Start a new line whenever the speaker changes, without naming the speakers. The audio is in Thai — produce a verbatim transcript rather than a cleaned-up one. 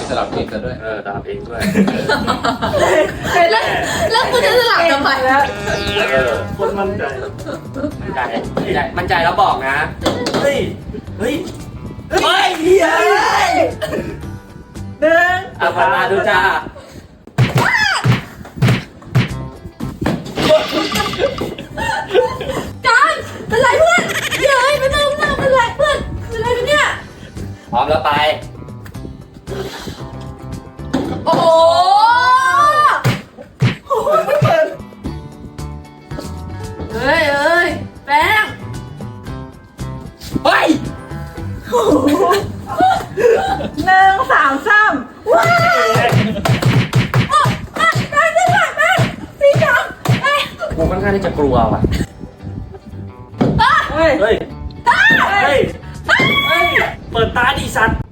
สลับเองซะด้วย
เออตามเองด้วย
แล้วแล้วกูจะสลับทำไมแล้ว
เออคนมั่นใจมั่นใจมั่นใจมั่นใจแล้วบอกนะเฮ้ยเฮ้ยเฮ้ยเฮ้ยหนึ่งอ่ะมาดูจ้า
การเป็นไรเพื่อนเย้ยเป็นไรเพื่อนเป็นไรเพื่อนเป็นไรกันเนี่ย
พร้อมแล้วไป
โอ้โหเฮ้ยเอ้ยแป้ง
เฮ้ย
หนึ่งสามสามว้าว
แป้งแป้งแป้งแป้งสีดำแป้ง
กูค่อนข้างที่จะกลัวว่ะ
เฮ้ย
เฮ้ย เฮ้ย เฮ้ย เปิดตาดิสัตว์